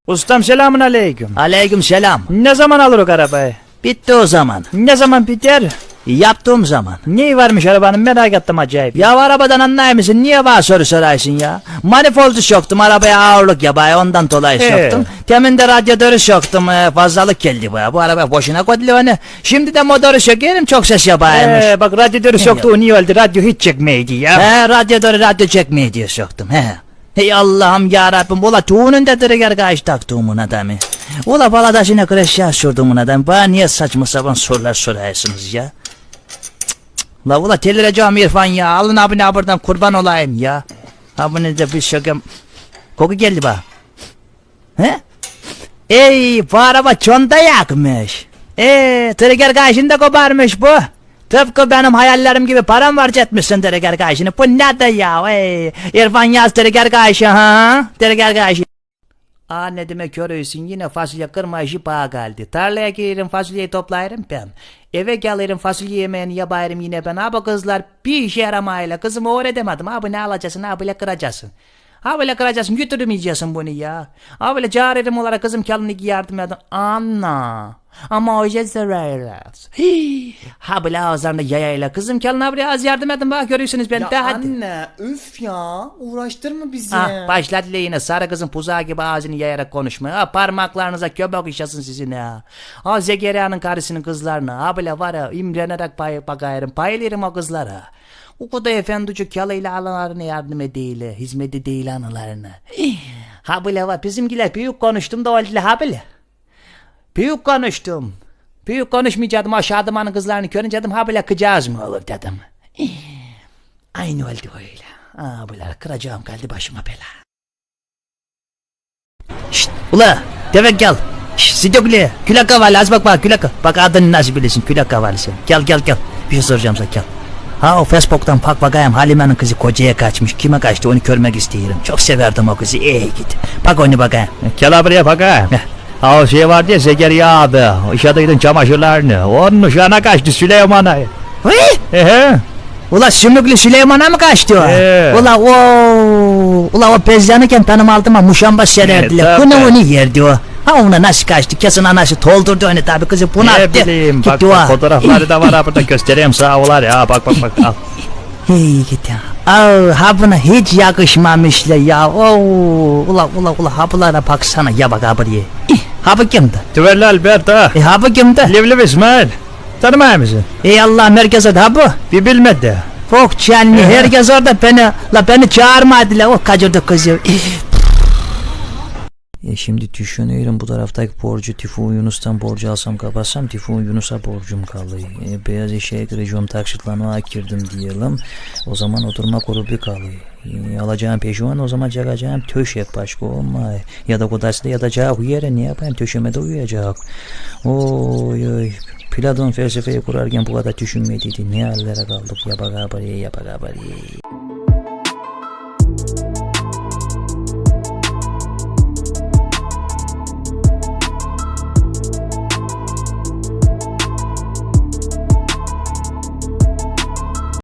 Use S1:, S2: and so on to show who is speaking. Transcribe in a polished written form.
S1: Ustam selamun aleyküm.
S2: Aleyküm selam.
S1: Ne zaman alır o arabayı?
S2: Bitti o zaman.
S1: Ne zaman biter?
S2: Yaptığım zaman.
S1: Neyi varmış arabanın merak ettim acayip.
S2: Ya arabadan anlar mısın? Niye bana soru sorarsın ya? Manifoldu soktum arabaya ağırlık yapaya ondan dolayı soktum. Temin de radyatörü soktum fazlalık geldi bu araba boşuna koydu onu. Şimdi de motoru sökerim çok ses yapaymış.
S1: Bak radyatörü soktu o niye öldü radyo hiç çekmeydi ya.
S2: Radyo çekmeye diye soktum Hey Allah'ım yarabbim ula tuğunun da dırıgar kaç taktığımın adamı. Ula baladasına kreşya sorduğumun adam. Bana niye saçma sapan sorular sorarsınız ya? La ula telireceğim İrfan ya. Alın abine buradan kurban olayım ya. Abine de bir şökem. Koku geldi bana. Ey bu araba çonda yakmış. Trigger kayışını koparmış bu. Tıpkı benim hayallerim gibi param var etmişsin trigger kayışını. Bu ne de ya? İrfan yaz trigger kayışı ha? Trigger kayışı. Ne demek görüyorsun yine fasulye kırma işi bana geldi. Tarlaya girerim fasulyeyi toplayırım ben. Eve gelirim fasulye yemeğini yaparım yine ben. Abi kızlar bir işe yaramayla kızımı öğretemedim. Abi ne alacaksın abiyle kıracaksın. Abiyle kıracaksın götürmeyeceksin bunu ya. Abiyle çağırırım olarak kızım kendine yardım edin. Anna. Ama o yüzden zararlar. Abiyle ağızlarında yayayla kızım kendine abiyle az yardım edin bak görüyorsunuz ben de hadi.
S3: Anne üf ya uğraştırma bizi.
S2: Başladı yine sarı kızın puzağı gibi ağzını yayarak konuşmaya. Parmaklarınıza köpek işasın sizin ya. Zekeriya'nın karısının kızlarına. Abiyle var ya imrenerek bakayırım paylayırım o kızlara. O kadar efendici kalıyla alanlarına yardım edeyle, hizmet edeyle analarına. Habile var, bizimkiler büyük konuştum da oldu habile. Büyük konuştum. Büyük konuşmayacaktım, aşağıdamanın kızlarını görünce dedim, habile kıcağız mı olur dedim. Aynı oldu öyle. Habile kıracağım geldi başıma bela. Şşt, ula, devek gel. Şşt, Sidokli, külak havalı, az bak külak. Bak adını nasıl bilirsin, külak havalı sen. Gel. Bir şey soracağım sana, gel. O Facebook'tan bakayım Halime'nin kızı kocaya kaçmış. Kime kaçtı onu görmek istiyorum. Çok severdim o kızı. Git. Bak onu bakayım.
S1: Gel buraya bakayım. O şey vardı ya Zekeriya abi. İşadıydın çamaşırlarını. Onun uşağına kaçtı Süleyman'a.
S2: Ula Sümüklü Süleyman'a mı kaçtı o? Ula o bezyanıken tanım aldım ama muşamba sererdiler. Onu yerdi o. Ona nasıl kaçtı? Kesin anası doldurdu onu tabi kızı bunu attı.
S1: Ne bileyim bak fotoğrafları da var burada göstereyim sağ olar ya bak al.
S2: Git ya. Buna hiç yakışmamışlar ya. Ula habılara baksana ya bak buraya. Habı kimdi?
S1: Tüverli Albert ha.
S2: Habı kimdi?
S1: Livliv İsmail. Tanımıyor musun?
S2: Allah merkez adı habı.
S1: Bir bilmedi.
S2: Çok canlı herkes orada beni çağırmadılar o kaçırdı kızı. Şimdi düşünüyorum bu taraftaki borcu Tifun Yunus'tan borcu alsam kapatsam Tifun Yunus'a borcum kalıyor. Beyaz eşeğe gireceğim taksitlanmaya girdim diyelim. O zaman oturma grubu kalıyor. Alacağım peşuan o zaman çakacağım töşek başka olmay. Ya da kodasında yatacak yere ne yapayım töşeme de uyuyacak. Oy. Platon felsefeyi kurarken bu kadar düşünmediydi. Ne hallere kaldık ya bak haberi.